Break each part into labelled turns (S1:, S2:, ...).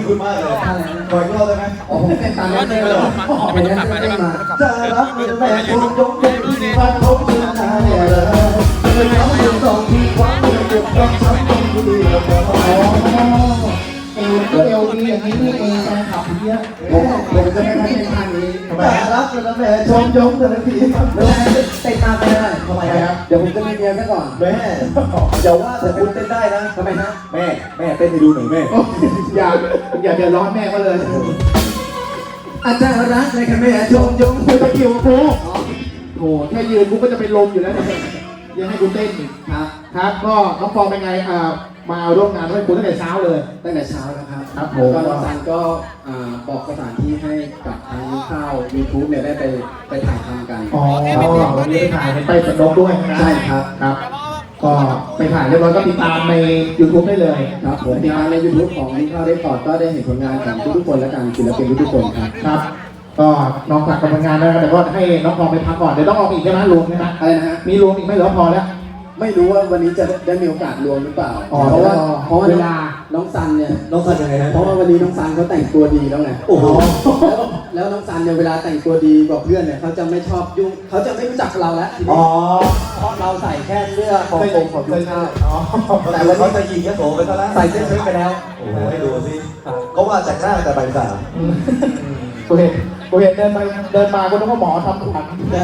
S1: คุณมากเลยขออีกรอบได้ไหม
S2: อ๋อผมเป็นตามนั้นเลย
S3: ไม่ต้องกลับมาใช่ปะ
S1: จะรักแม่คงยกเป็นที่บ้านเขาเพื่อนนายเลยไม่เขาอยู่ตรงที่ความเจ็บต้องช้ำต้องดีแล้วก็
S2: เอวก็เอวดีอย่างนี้นี่เองแฟนคลับเยอะผมจะไม่ให้เป็นทางนี้ทำไม
S1: จะรักแม่ชมยกแต่ละที
S2: เวลาเตะตามไปเลยทำไมครับเดี๋ยวผมจะมีเมียซะก่อน
S1: แม่อย่าว่าแต่คุณเต้นได้นะ
S2: ทำไมฮะ
S1: แม่เต้นให้ดูหน่อยแม่
S2: อย่าเดือดร้อนแม่ก็เลยอาจารย์รักเลยค่ะแม่ชมยงคุยตะกิ้วกูโอ้แค่ยืนกูก็จะเป็นลมอยู่แล้วเนี่ยยังให้กูเต้นอีกครับก็น้องฟองเป็นไงมาร่วมงานด้วยคุณตั้งแต่เช้าเลยตั้งแต่เช้านะครับครับผมก็น้องซันก็บอกสถานที่ให้กับทางข้าว YouTube เนี่ยได้ไปถ่ายทำกันอ๋อวันนี้ไปถ่ายไปสนุกด้วยใช่ครับครับก็ไปถ่ายเรียบร้อยก็ติดตามใน YouTube ได้เลยครับผมติดตามใน YouTube ของนิข้าวได้ปอดก็ได้เห็นผลงานของทุกคนและการศิลปินทุกคนครับก็น้องฝากกับผลงานแล้วแต่ก็ให้น้องพอไปพักก่อนเดี๋ยวต้องออกอีกใช่ไหมรวมใช่ไหมอะไรนะฮะมีรวมอีกไหมหรือพอแล้วไม่รู้ว่าวันนี้จะได้มีโอกาสรวมหรือเปล่าเพราะว่าเวลาน้องซันเนี่ย
S1: น้องซันยังไงนะ
S2: เพราะว่าวันนี้น้องซันเขาแต่งตัวดีแล้วไงโอ้โหแล้วน้องซันเนี่ยเวลาแต่งตัวดีกว่าเพื่อนเนี่ยเขาจะไม่ชอบยุ่งเขาจะไม่รู้จักเราแล้วทีนี้เพราะเราใส่แค่เสื้อของผมของยุ้งข้าว
S1: แต่วันนี้จะยิงยะโสไปซะแล้ว
S2: ใส่เสื้อเชิ้ตไปแล้ว
S1: โอ้โหให้ดูสิเขาว่าจากหน้าแต่ใบสาม
S2: กูเห็นเดินมากูนึกว่าหมอทำขวัญ
S1: ได้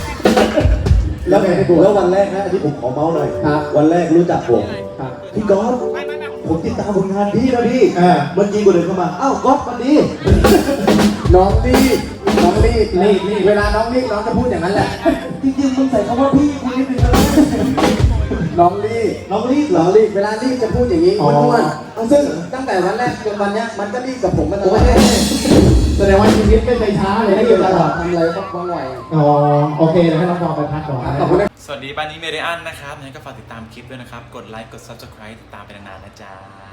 S1: แล้ววันแรกนะที่ผมขอเมาส์หน่อยวันแรกรู้จักผมพี่ก๊อฟผมติดตามผลงานพี่นะพี่มันยิงคนอื่นเข้ามาอ้าวก๊อฟมันดี
S2: น้องรีบเวลาน้องรีบน้องจะพูดอย่างนั้นแหละ
S1: จริงๆมึงใส่คำว่าพี่คุณนิดนึงนะ
S2: น้องรีบ
S1: เหรอ
S2: เวลารีบจะพูดอย่างนี้อ้วนๆซึ่งตั้งแต่วันแรกจนวันนี้มันก็รีบกับผมมาตลอดแสดงว่าชีวิตไม่เคยช้าเลยให้อยู่ตลอดทำอะไรก็ว่องไวอ๋อโอเคแล้วให้น้องฟองไปพักก่อน
S3: สวัสดีบ้านนี้เมเดียนนะครับงั้นก็ฝากติดตามคลิปด้วยนะครับกดไลค์กด Subscribe ติดตามไปนานๆนะจ๊ะ